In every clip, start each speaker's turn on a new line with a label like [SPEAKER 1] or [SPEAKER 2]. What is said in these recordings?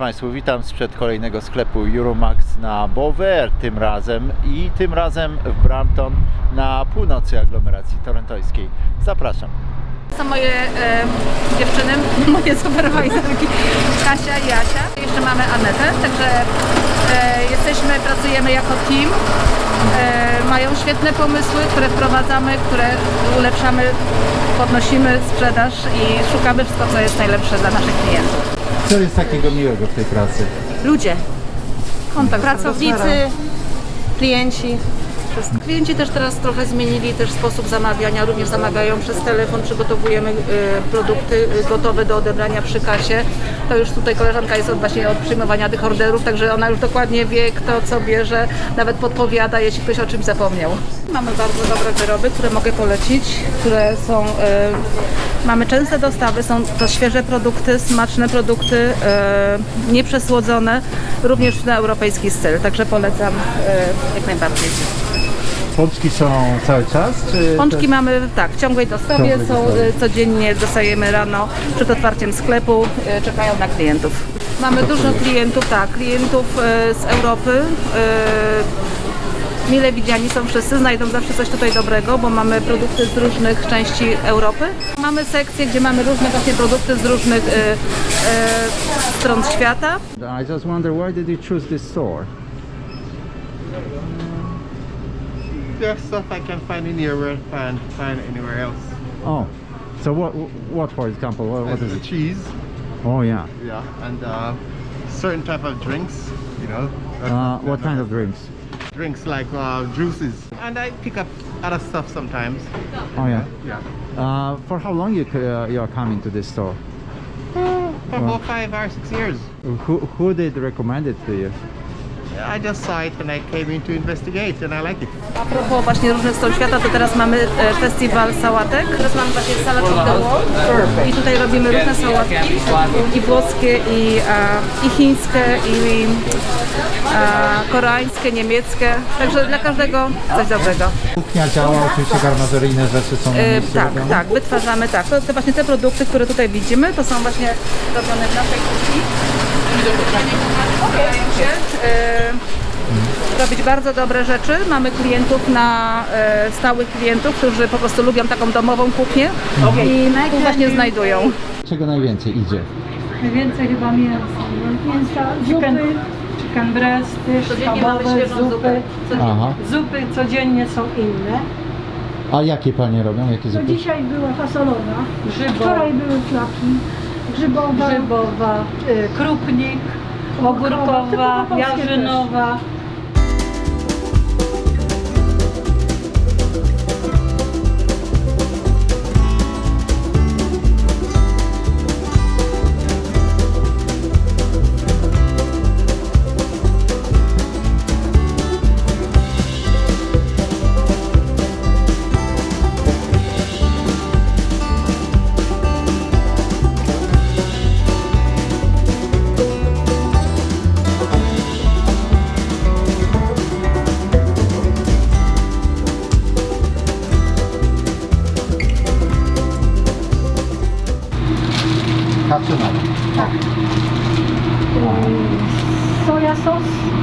[SPEAKER 1] Państwu, witam sprzed kolejnego sklepu Euromax na Bower tym razem w Brampton na północy aglomeracji torontońskiej. Zapraszam.
[SPEAKER 2] To są moje dziewczyny, moje superwajzerki Kasia i Asia. Jeszcze mamy Anetę, także pracujemy jako team. Mają świetne pomysły, które wprowadzamy, które ulepszamy, podnosimy sprzedaż i szukamy wszystko, co jest najlepsze dla naszych klientów.
[SPEAKER 1] Co jest takiego miłego w tej pracy?
[SPEAKER 2] Ludzie, kontakt,
[SPEAKER 3] Pracownicy, klienci.
[SPEAKER 2] Klienci też teraz trochę zmienili też sposób zamawiania, również zamawiają przez telefon, przygotowujemy produkty gotowe do odebrania przy kasie. To już tutaj koleżanka jest właśnie od przyjmowania tych orderów, także ona już dokładnie wie, kto co bierze, nawet podpowiada, jeśli ktoś o czymś zapomniał. Mamy bardzo dobre wyroby, które mogę polecić, które są, mamy częste dostawy, są to świeże produkty, smaczne produkty, nieprzesłodzone, również na europejski styl, także polecam jak najbardziej.
[SPEAKER 1] Pączki są cały czas? Czy
[SPEAKER 2] Pączki mamy w ciągłej dostawie, codziennie dostajemy rano przed otwarciem sklepu, czekają na klientów. Mamy dużo klientów, klientów z Europy. Mile widziani są wszyscy, znajdą zawsze coś tutaj dobrego, bo mamy produkty z różnych części Europy. Mamy sekcję, gdzie mamy różne właśnie produkty z różnych stron świata.
[SPEAKER 1] I just wonder, why did you choose this store?
[SPEAKER 4] There's stuff I can find in here where I can't find anywhere else.
[SPEAKER 1] Oh, so what for example, what is
[SPEAKER 4] The
[SPEAKER 1] it?
[SPEAKER 4] cheese,
[SPEAKER 1] Oh yeah.
[SPEAKER 4] yeah, and certain type of drinks, you know.
[SPEAKER 1] What kind of drinks?
[SPEAKER 4] Drinks like juices. And I pick up other stuff sometimes.
[SPEAKER 1] Oh yeah.
[SPEAKER 4] Yeah.
[SPEAKER 1] For how long you are coming to this store?
[SPEAKER 4] For about 5 or 6 years.
[SPEAKER 1] Who did recommend it to you?
[SPEAKER 4] I just saw it and I came in to investigate and I like it.
[SPEAKER 2] A propos właśnie różnych stron świata, to teraz mamy festiwal sałatek. Teraz mamy właśnie salad of the world i tutaj robimy różne sałatki i włoskie, i chińskie, i koreańskie, niemieckie. Także dla każdego coś dobrego.
[SPEAKER 1] Kuchnia działa, oczywiście garmażeryjne rzeczy są na miejscu robione?
[SPEAKER 2] Tak, wytwarzamy To właśnie te produkty, które tutaj widzimy, to są właśnie robione w naszej kuchni. Starają się robić bardzo dobre rzeczy. Mamy klientów stałych klientów, którzy po prostu lubią taką domową kuchnię i tu właśnie znajdują.
[SPEAKER 1] Czego najwięcej idzie?
[SPEAKER 3] Najwięcej chyba mięsa, chicken breasty,
[SPEAKER 2] Codziennie mamy
[SPEAKER 3] schabowe,
[SPEAKER 2] świeżą
[SPEAKER 3] zupy.
[SPEAKER 2] zupę.
[SPEAKER 1] Aha.
[SPEAKER 3] Zupy codziennie są inne.
[SPEAKER 1] A jakie panie robią? Jakie
[SPEAKER 5] To
[SPEAKER 1] zupy?
[SPEAKER 5] dzisiaj była fasolowa, wczoraj były flaki,
[SPEAKER 3] grzybowa, krupnik, ogórkowa,
[SPEAKER 5] typowo polskie
[SPEAKER 3] jarzynowa.
[SPEAKER 1] Kapsynami.
[SPEAKER 5] soja sos,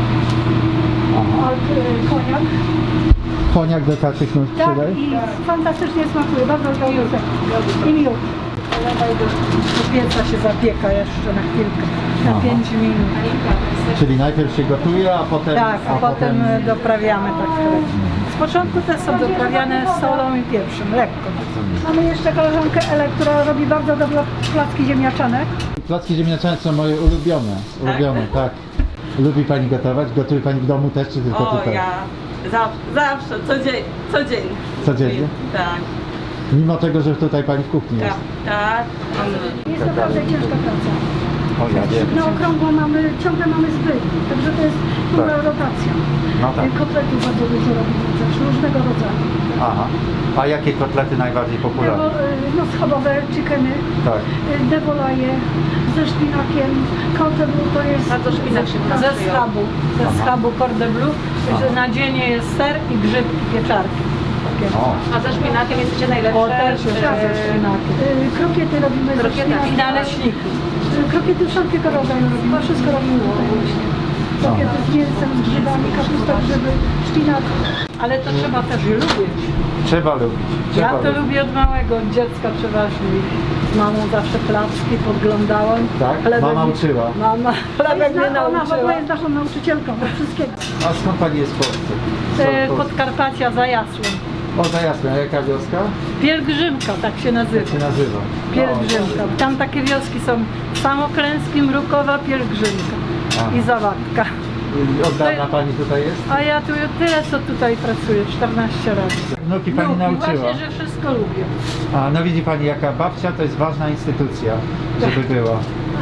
[SPEAKER 5] koniak.
[SPEAKER 1] Koniak do takich nóż
[SPEAKER 5] Tak,
[SPEAKER 1] przydaj?
[SPEAKER 5] i fantastycznie smakuje, bardzo dobry. I miód.
[SPEAKER 3] Polewaj do pieca się zapieka jeszcze na chwilkę, na
[SPEAKER 1] Aha.
[SPEAKER 3] 5 minut.
[SPEAKER 1] Czyli najpierw się gotuje, a potem...
[SPEAKER 3] Tak, a potem doprawiamy tak. Z początku te są doprawiane solą i pieprzem, lekko.
[SPEAKER 5] Mamy jeszcze koleżankę Elę, która robi bardzo dobre placki ziemniaczane.
[SPEAKER 1] Placki ziemniaczane są moje ulubione. Tak. Lubi pani gotować? Gotuje pani w domu też, czy tylko tutaj?
[SPEAKER 6] Ja zawsze, codziennie.
[SPEAKER 1] Codziennie?
[SPEAKER 6] Tak,
[SPEAKER 1] Mimo tego, że tutaj pani w kuchni jest.
[SPEAKER 6] tak.
[SPEAKER 5] Jest naprawdę ciężka praca.
[SPEAKER 1] O, ja wiem.
[SPEAKER 5] Na okrągło ciągle mamy zbyt, także to jest duża rotacja.
[SPEAKER 1] No tak.
[SPEAKER 5] Kotlety bardzo dużo robimy też, różnego rodzaju.
[SPEAKER 1] Aha. A jakie kotlety najbardziej popularne?
[SPEAKER 5] No schabowe, chickeny,
[SPEAKER 1] Tak.
[SPEAKER 5] devolaje ze szpinakiem, cordon bleu to jest...
[SPEAKER 2] Bardzo szpinak się
[SPEAKER 3] Ze schabu cordon bleu, że na dzień jest ser i grzybki, pieczarki. szpinakiem.
[SPEAKER 1] O,
[SPEAKER 2] A ze szpinakiem jesteście najlepsze?
[SPEAKER 3] O, też jest ze szpinakiem.
[SPEAKER 5] Krokiety robimy ze
[SPEAKER 2] Krokieta.
[SPEAKER 5] szpinakiem.
[SPEAKER 3] I naleśniki.
[SPEAKER 5] Krokiety wszelkiego rodzaju robimy, wszystko robimy tutaj właśnie. Krokiety z mięsem, z grzybami, kapusta, grzyby, szpinak.
[SPEAKER 3] Ale to trzeba też je lubić.
[SPEAKER 1] trzeba lubić.
[SPEAKER 3] Ja
[SPEAKER 1] Trzeba
[SPEAKER 3] to
[SPEAKER 1] lubić.
[SPEAKER 3] lubię od małego, od dziecka przeważnie. Z mamą zawsze placki podglądałam.
[SPEAKER 1] Tak? Mama uczyła.
[SPEAKER 3] Mama chlebek mnie
[SPEAKER 5] Ona w
[SPEAKER 3] nauczyła.
[SPEAKER 5] ogóle jest naszą nauczycielką do wszystkiego.
[SPEAKER 1] A skąd pani jest w Polsce?
[SPEAKER 3] Podkarpacia za Jasłem.
[SPEAKER 1] O, za jasne, a jaka wioska?
[SPEAKER 3] Pielgrzymka, tak się nazywa.
[SPEAKER 1] Jak się nazywa?
[SPEAKER 3] Pielgrzymka. Tam takie wioski są Samoklęski, Mrukowa, Pielgrzymka
[SPEAKER 1] A.
[SPEAKER 3] i Zawadka.
[SPEAKER 1] Od dawna pani tutaj jest?
[SPEAKER 3] A ja tu tyle co tutaj pracuję, 14 lat.
[SPEAKER 1] Wnuki pani
[SPEAKER 3] Lubię,
[SPEAKER 1] nauczyła.
[SPEAKER 3] właśnie, że wszystko lubię.
[SPEAKER 1] A no widzi pani, jaka babcia to jest ważna instytucja, żeby była.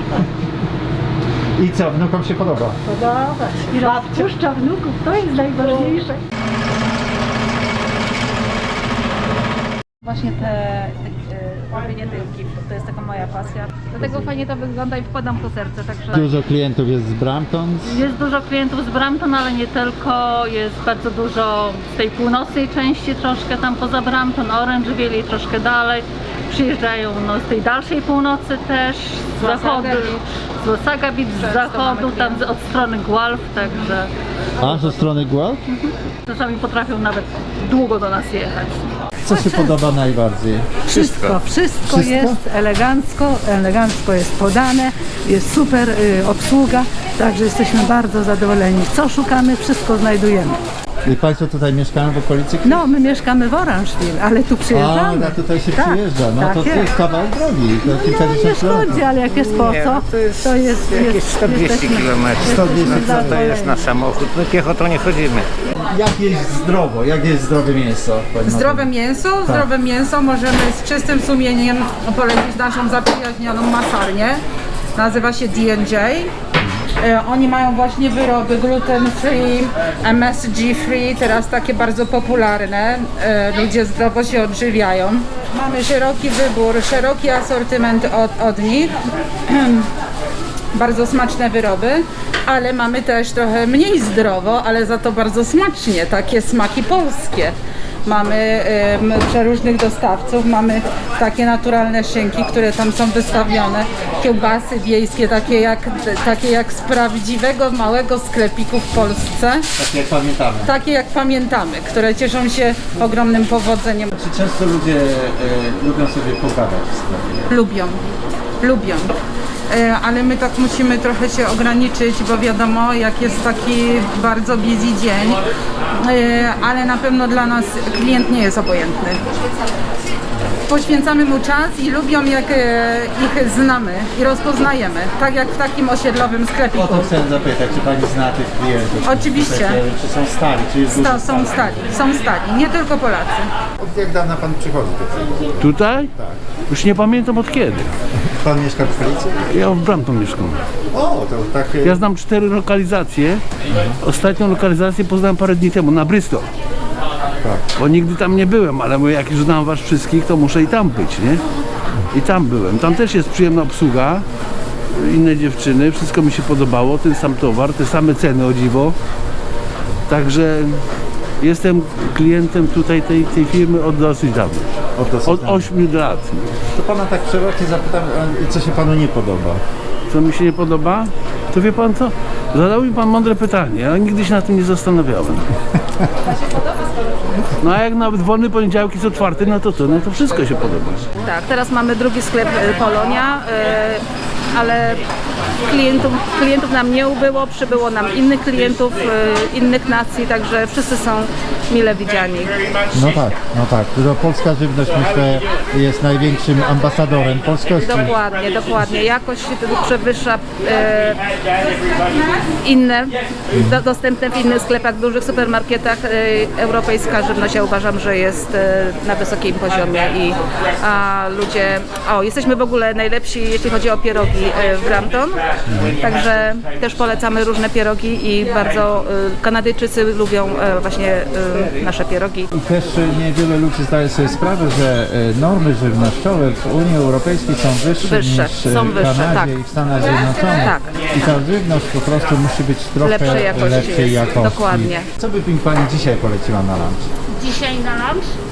[SPEAKER 1] I co, wnukom się podoba?
[SPEAKER 3] Podoba się.
[SPEAKER 5] I rozpuszcza wnuków, to jest najważniejsze.
[SPEAKER 2] Właśnie robienie tych giftów, to jest taka moja pasja. Dlatego fajnie to wygląda i wkładam to serce, także...
[SPEAKER 1] Dużo klientów jest z Brampton.
[SPEAKER 7] Jest dużo klientów z Brampton, ale nie tylko. Jest bardzo dużo z tej północnej części, troszkę tam poza Brampton, Orangeville i troszkę dalej. Przyjeżdżają no, z tej dalszej północy też, z zachodu, z Wasaga Beach, z zachodu, tam od strony Guelph, także
[SPEAKER 1] A, ze strony Guelph?
[SPEAKER 7] czasami potrafią nawet długo do nas jechać.
[SPEAKER 1] Co się podoba najbardziej?
[SPEAKER 8] Wszystko jest elegancko jest podane, jest super obsługa, także jesteśmy bardzo zadowoleni. Co szukamy, wszystko znajdujemy.
[SPEAKER 1] I państwo tutaj mieszkają w okolicy?
[SPEAKER 8] No, my mieszkamy w Orangeville, ale tu przyjeżdżamy.
[SPEAKER 1] A tutaj się
[SPEAKER 8] Tak,
[SPEAKER 1] przyjeżdża, no
[SPEAKER 8] tak
[SPEAKER 1] to
[SPEAKER 8] jest.
[SPEAKER 1] jest kawał drogi, to
[SPEAKER 8] No, nie
[SPEAKER 1] kilkadziesiąt
[SPEAKER 8] szkodzi,
[SPEAKER 1] kilometrów.
[SPEAKER 8] ale jak jest po co, to jest
[SPEAKER 9] Jakieś 120 km.
[SPEAKER 1] 120
[SPEAKER 9] No to jest na samochód. My piechotą nie chodzimy.
[SPEAKER 1] Jak jeść zdrowo? Jak jest zdrowe mięso? pani
[SPEAKER 10] Zdrowe
[SPEAKER 1] Martyno?
[SPEAKER 10] mięso,
[SPEAKER 1] Tak.
[SPEAKER 10] zdrowe mięso możemy z czystym sumieniem polecić naszą zaprzyjaźnioną masarnię. Nazywa się D&J. Oni mają właśnie wyroby gluten free, MSG free, teraz takie bardzo popularne. Ludzie zdrowo się odżywiają. Mamy szeroki wybór, szeroki asortyment od nich. Bardzo smaczne wyroby, ale mamy też trochę mniej zdrowo, ale za to bardzo smacznie, takie smaki polskie. Mamy przeróżnych dostawców, mamy takie naturalne szynki, które tam są wystawione, kiełbasy wiejskie, takie jak z prawdziwego małego sklepiku w Polsce,
[SPEAKER 1] Tak jak pamiętamy.
[SPEAKER 10] takie jak pamiętamy, które cieszą się ogromnym powodzeniem.
[SPEAKER 1] Czy często ludzie lubią sobie pogadać w sklepie?
[SPEAKER 10] Lubią. Ale my tak musimy trochę się ograniczyć, bo wiadomo, jak jest taki bardzo busy dzień, ale na pewno dla nas klient nie jest obojętny. Poświęcamy mu czas i lubią, jak ich znamy i rozpoznajemy, tak jak w takim osiedlowym
[SPEAKER 1] O
[SPEAKER 10] sklepiku.
[SPEAKER 1] to chciałem zapytać, czy pani zna tych klientów?
[SPEAKER 10] Oczywiście.
[SPEAKER 1] Czy są stali? Czy jest dużo
[SPEAKER 10] Są stali, nie tylko Polacy.
[SPEAKER 1] Od jak dawna pan przychodzi tutaj?
[SPEAKER 11] Tutaj? Tak. Już nie pamiętam od kiedy.
[SPEAKER 1] Pan mieszka w stolicy?
[SPEAKER 11] Ja w Brampton mieszkam.
[SPEAKER 1] O, to takie...
[SPEAKER 11] Ja znam 4 lokalizacje. Ostatnią lokalizację poznałem parę dni temu na Bristol.
[SPEAKER 1] Tak.
[SPEAKER 11] Bo nigdy tam nie byłem, ale mówię, jak już znam was wszystkich, to muszę i tam być, nie? I tam byłem. Tam też jest przyjemna obsługa. Inne dziewczyny, wszystko mi się podobało. Ten sam towar, te same ceny o dziwo. Także jestem klientem tutaj tej firmy od dosyć dawna. Od 8 lat.
[SPEAKER 1] To pana tak przerocznie zapytam, co się panu nie podoba?
[SPEAKER 11] Co mi się nie podoba? To wie pan co? Zadał mi pan mądre pytanie, ale nigdy się na tym nie zastanawiałem. No a jak nawet wolny poniedziałek jest otwarty, no to co? No to wszystko się podoba.
[SPEAKER 2] Tak, teraz mamy drugi sklep Polonia, ale klientów nam nie ubyło, przybyło nam innych klientów, innych nacji, także wszyscy są mile widziani.
[SPEAKER 1] No tak. To polska żywność, myślę, jest największym ambasadorem polskości.
[SPEAKER 2] Dokładnie. Jakość przewyższa inne, dostępne w innych sklepach, dużych supermarketach. Europejska żywność, ja uważam, że jest na wysokim poziomie i ludzie... jesteśmy w ogóle najlepsi, jeśli chodzi o pierogi w Brampton, także też polecamy różne pierogi i bardzo Kanadyjczycy lubią właśnie nasze pierogi.
[SPEAKER 1] I też niewiele ludzi zdaje sobie sprawę, że normy żywnościowe w Unii Europejskiej są wyższe niż w Kanadzie
[SPEAKER 2] tak.
[SPEAKER 1] i w Stanach Zjednoczonych.
[SPEAKER 2] Tak.
[SPEAKER 1] I ta żywność po prostu musi być trochę
[SPEAKER 2] Lepszej jakości.
[SPEAKER 1] lepszej jakości.
[SPEAKER 2] Dokładnie.
[SPEAKER 1] Co by mi pani dzisiaj poleciła na lunch?
[SPEAKER 7] Dzisiaj na lunch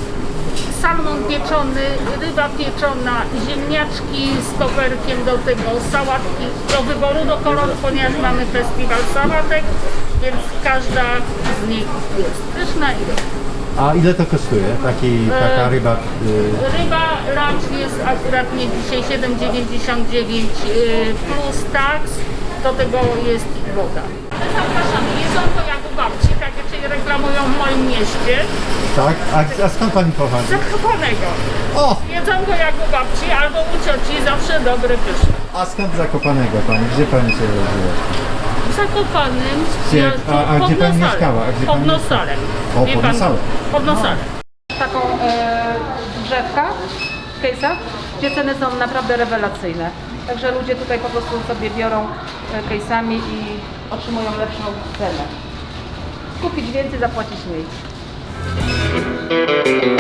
[SPEAKER 12] salmon pieczony, ryba pieczona, ziemniaczki z koperkiem do tego, sałatki do wyboru, do koloru, ponieważ mamy festiwal sałatek, więc każda z nich jest pyszna i dobra.
[SPEAKER 1] A ile to kosztuje? Taka ryba?
[SPEAKER 12] Ryba lunch jest akurat nie dzisiaj 7,99 plus tax, do tego jest woda. Zapraszamy, jedzonko jak u babci, tak jak się reklamują w moim mieście.
[SPEAKER 1] Tak? A skąd pani pochodzi?
[SPEAKER 12] Z Zakopanego.
[SPEAKER 1] O!
[SPEAKER 12] Jedzonko jak u babci albo u cioci, zawsze dobre, pyszne.
[SPEAKER 1] A skąd Zakopanego pani? Gdzie pani się urodziła?
[SPEAKER 12] W Zakopanym,
[SPEAKER 1] Gdzie? A gdzie pani mieszkała?
[SPEAKER 12] Pod Nosalem.
[SPEAKER 1] O,
[SPEAKER 12] Wie
[SPEAKER 1] pod
[SPEAKER 12] pan,
[SPEAKER 1] Nosalem.
[SPEAKER 12] Pod Nosalem.
[SPEAKER 2] Taką drzewka w case'ach, gdzie ceny są naprawdę rewelacyjne. Także ludzie tutaj po prostu sobie biorą case'ami i otrzymują lepszą cenę. Kupić więcej, zapłacić mniej.